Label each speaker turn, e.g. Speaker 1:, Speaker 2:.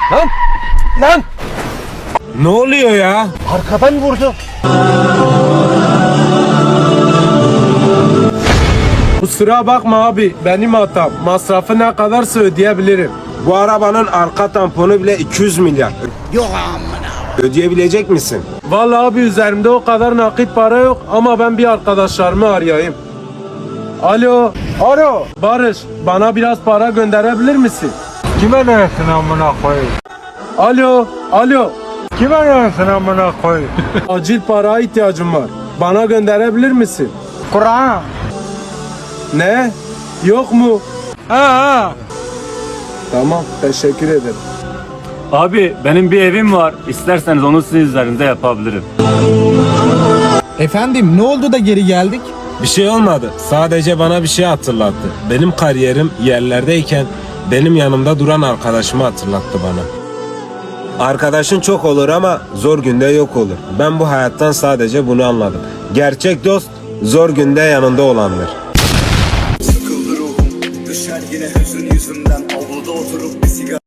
Speaker 1: Lan! Lan!
Speaker 2: Ne oluyor ya?
Speaker 1: Arkadan vurdu.
Speaker 2: Kusura bakma abi, benim hatam. Masrafı ne kadarsa ödeyebilirim. Bu arabanın arka tamponu bile 200 milyar.
Speaker 1: Yok amına.
Speaker 2: Ödeyebilecek misin? Vallahi abi üzerimde o kadar nakit para yok ama ben bir arkadaşlarımı arayayım. Alo.
Speaker 1: Alo.
Speaker 2: Barış, bana biraz para gönderebilir misin?
Speaker 3: Kime dersin amına koyayım?
Speaker 2: Alo. Alo.
Speaker 3: Kime dersin amına koyayım?
Speaker 2: Acil paraya ihtiyacım var. Bana gönderebilir misin?
Speaker 3: Kur'an.
Speaker 2: Ne? Yok mu?
Speaker 3: Ha.
Speaker 2: Tamam, teşekkür ederim.
Speaker 4: Abi benim bir evim var. İsterseniz onu sizin üzerinize yapabilirim.
Speaker 5: Efendim ne oldu da geri geldik?
Speaker 2: Bir şey olmadı. Sadece bana bir şey hatırlattı. Benim kariyerim yerlerdeyken benim yanımda duran arkadaşımı hatırlattı bana. Arkadaşın çok olur ama zor günde yok olur. Ben bu hayattan sadece bunu anladım. Gerçek dost zor günde yanında olandır.
Speaker 6: Sıkıldı ruhum, düşer yine hüzün yüzümden. Avluda oturup bir sigara